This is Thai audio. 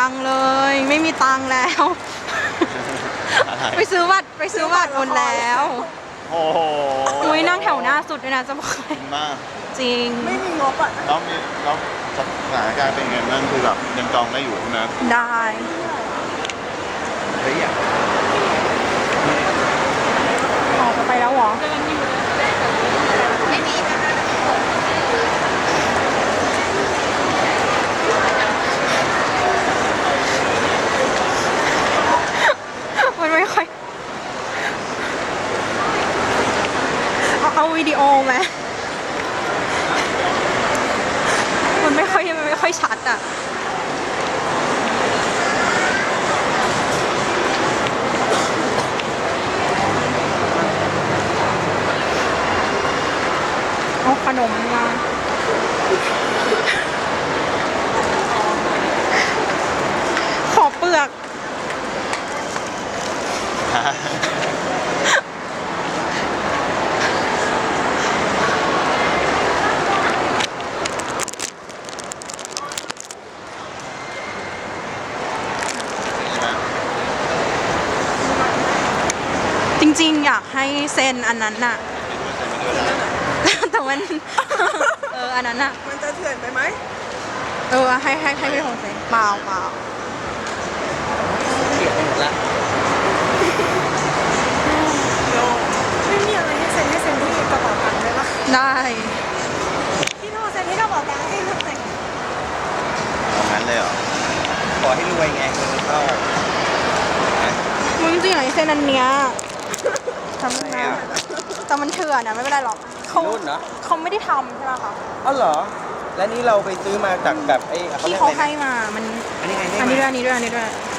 ยังเลยไม่มีตังค์แล้ว ไปซื้อบัตรหมดแล้วโอ้โหอุ้ยนั่งแถวหน้าสุดเลยนะจะบอกให้มากจริงไม่มีงบอ่ะแล้วสถานการณ์เป็นไงบ้างคือแบบยังจองได้อยู่ใช่ไหมได้เฮ้ยอยากออกไปแล้วเหรอมันไม่ค่อยเอาวิดีโอไหมมันไม่ค่อยชัดอ่ะเอาขนมมาขอเปลือก จริงๆ อยากให้เซ็นอันนั้นน่ะ แต่มัน อันนั้นน่ะมันจะเถื่อนไปไหมให้พี่ของเซ็นเปล่าเขียนไปหมดละไม่มีอะไรให้เซ็นที่กระเป๋าตังค์เลยปะได้พี่โทรเซ็นที่กระเป๋าตังค์ให้ลูกแต่งเอางั้นเลยเหรอขอให้รวยไงเงินเข้ามึงจริงๆอยากให้เซ็นอันเนี้ยทำอะไรนะอ่ะแต่มันเถื่อนอ่ะไม่เป็นไรหรอกเขารุ่นเหรอเขาไม่ได้ทำใช่ไหมคะอ๋อเหรอ และนี่เราไปซื้อมาจากแบบไอ้ที่รียกเขาอะไรนะให้มามันอันนี้ไงอันนี้ด้วย